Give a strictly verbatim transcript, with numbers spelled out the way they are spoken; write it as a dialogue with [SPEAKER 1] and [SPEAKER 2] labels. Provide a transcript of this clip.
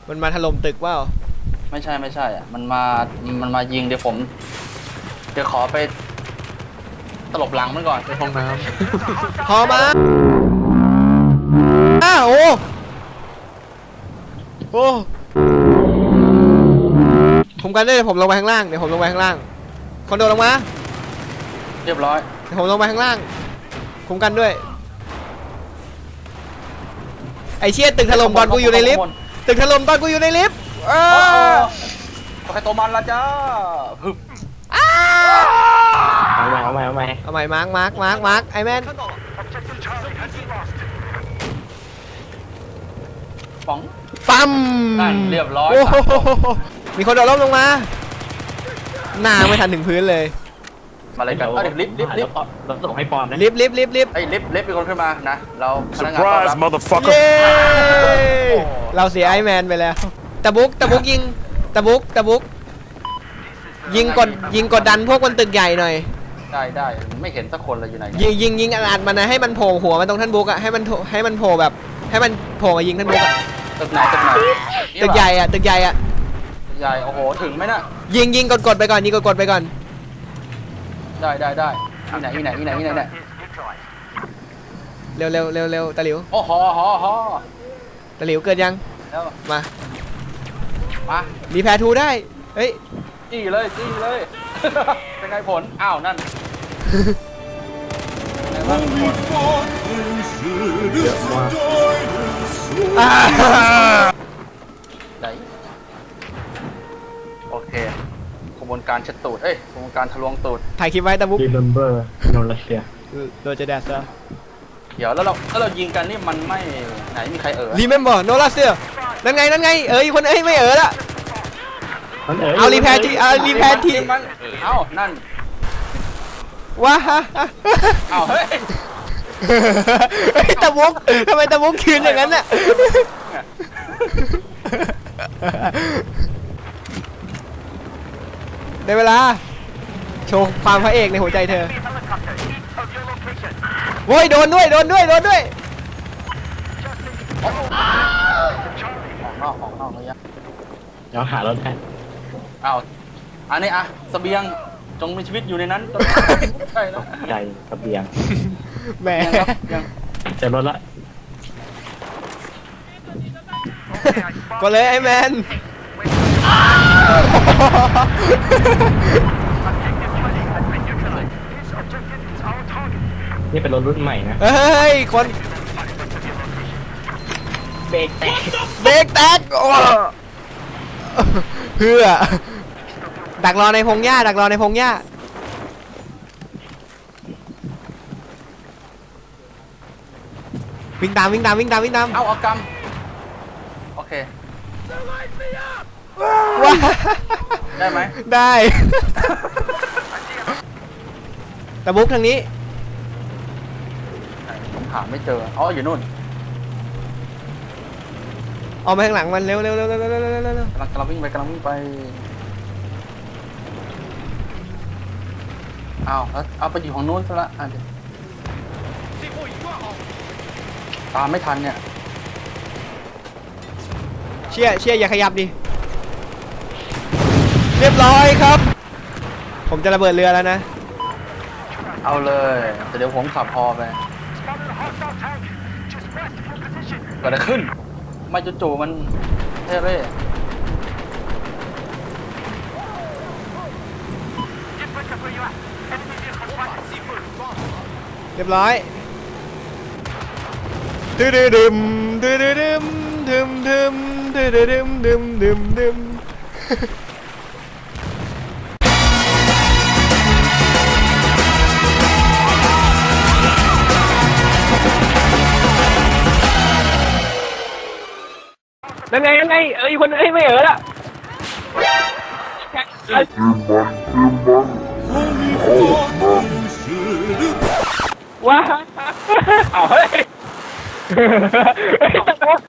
[SPEAKER 1] มันมาถล่มตึกเปล่า
[SPEAKER 2] ไม่ใช่ไม่ใช่อ่ะมันมามันมายิงเดี๋ยวผมเดี๋ยวขอไปตลบหลังมันก่อน
[SPEAKER 3] ไปห้องน้
[SPEAKER 1] พอมาอ้าวโอ้โอ้ผมกันได้เดี๋ยวผมลงไปข้างล่างเดี๋ยวผมลงไปข้างล่างคนโดดลงมา
[SPEAKER 2] เรียบร้อย
[SPEAKER 1] เดี๋ยวผมลงไปข้างล่างคุมกันด้วยไอเชี่ยตึกถล่มตอนกูอยู่ในลิฟต์ตึกถล่มตอนกูอยู่ในลิฟต์เออ
[SPEAKER 2] ใครตัวมันละจ้าฮึบ
[SPEAKER 3] เอาใหม่เอาใหม่เอาใหม่
[SPEAKER 1] เอาใหม่มาร์กมาร์กมาร์กมาร์กไอแมน
[SPEAKER 2] ป๋อง
[SPEAKER 1] ปั๊ม
[SPEAKER 2] เรียบร้อย
[SPEAKER 1] มีคนโดดร่มลงมาหน้าไม่ทันถึงพื้นเลย
[SPEAKER 2] มาเลยกันลิฟต์ลิฟต์ลิฟต์
[SPEAKER 3] เราส่งให้ปอนนะ
[SPEAKER 1] ลิฟต์ลิฟต์ลิฟต์ลิฟต์
[SPEAKER 2] ไอ้ลิฟต์ลิฟต์เป็นคนขึ้นมานะเราพนักงาน
[SPEAKER 4] Surprise motherfucker
[SPEAKER 1] เราเสียไอแมนไปแล้วตะบุกตะบุกยิงตะบุกตะบุกยิงกดยิงกดดันพวกคนตึกใหญ่หน่อย
[SPEAKER 2] ได้ได้ไม่เห็นสักคนเลยอยู่ไหน
[SPEAKER 1] ยิงยิงยิงอัดมันนะให้มันโผล่หัวมันตรงท่านบุกอะให้มันให้มันโผล่แบบให้มันโผล่มายิงท่านบุกอะ
[SPEAKER 2] ตึกไหนตึกไหน
[SPEAKER 1] ตึกใหญ่อะตึกใหญ่อะ
[SPEAKER 2] ใหญ่โอ้โหถึงไหมน่ะ
[SPEAKER 1] ยิงยิงกดกดไปก่อนยิงกดกดไปก่อน
[SPEAKER 2] ได้ได้ได้ที่ไหนที่ไหนที่ไหนที่ไหนเนี่ย
[SPEAKER 1] เร็วเร็วเร็วเร็วตะหลิว
[SPEAKER 2] โอ้โหฮอฮอ
[SPEAKER 1] ตะหลิวเกิดยังมา
[SPEAKER 2] มา
[SPEAKER 1] รีแพร์ทูได้เฮ้ย
[SPEAKER 2] จี้เลยจี้เลยเป็นไงผลอ้าวนั่นไหนโอเคกระบวนการเช็ดตูดเอ้ยกระบวนการทะลวงตูด
[SPEAKER 1] ถ่ายคลิปไว้ตะบุ๊ก
[SPEAKER 3] Remember โนรัสเซีย
[SPEAKER 1] โรเจเดสเซอร์
[SPEAKER 2] เดี๋ยวแล้วเราถ้าเรายิงกันนี่มันไม่ไหนมีใครเอ๋อ
[SPEAKER 1] Remember โนรัสเซียนั่นไงนั่นไงเอ๋ยคนเอ้ยไม่เอ๋อละเอารีแพร์ทีเอารีแพร์ที
[SPEAKER 2] เอ้านั่น
[SPEAKER 1] ว้า
[SPEAKER 2] เอ้าเฮ้ย
[SPEAKER 1] เฮ้ยตะบุ๊กทำไมตะบุ๊กคืนอย่างนั้นน่ะในเวลาโชว์ความพระเอกในหัวใจเธอโว้ยโดนด้วยโดนด้วยโดนด้วย
[SPEAKER 2] ออกนอกออกนอกเลยอะ
[SPEAKER 3] เดี๋ยวหารถให้
[SPEAKER 2] เอาอันนี้อะเสบียงจงมีชีวิตอยู่ในนั้นใช่แล้ว
[SPEAKER 3] ใจกระเบียง
[SPEAKER 1] แหม
[SPEAKER 3] เจอรถละ
[SPEAKER 1] ก็เลยไอ้แมน
[SPEAKER 3] นี่เป็นรถรุ่นใหม่นะ
[SPEAKER 1] เฮ้ยคน
[SPEAKER 3] เบรกแตก
[SPEAKER 1] เบรกแตกเพื่อดักรอในพงหญ้าดักรอในพงหญ้าวิ่งตามวิ่งตามวิ่งตามวิ่งตาม
[SPEAKER 2] เอาเอากำโอเค
[SPEAKER 1] ว้า
[SPEAKER 2] ได้ไหม
[SPEAKER 1] ได้ตะบุ๊กทางนี้
[SPEAKER 2] ผมหาไม่เจออ๋ออยู่นู่น
[SPEAKER 1] ออกมาข้างหลังมันเร็วเร็วเร็วเร็วเร็วเร็วเร็วเร็ว
[SPEAKER 2] กำลังกำลังวิ่งไปกำลังวิ่งไปเอาแล้วเอาไปอยู่ของนู้นซะละอ่ะตามไม่ทันเนี่ย
[SPEAKER 1] เชี่ยเชี่ยอย่าขยับดิเรียบร้อยครับผมจะระเบิดเรือแล้วนะ
[SPEAKER 2] เอาเลยแต่เดี๋ยวผมขับพอไปเกิดอะไรขึ้นไม่จู่ๆมันเท่เร่
[SPEAKER 1] เรียบร้อยดึมดึมดึมดึมดึมดึมดึมดึมดึมดึมดึมนั่นไงนั่นไงเอ้ยคนเอ้ยไม่เอ๋อละว้าเอาเฮ้ย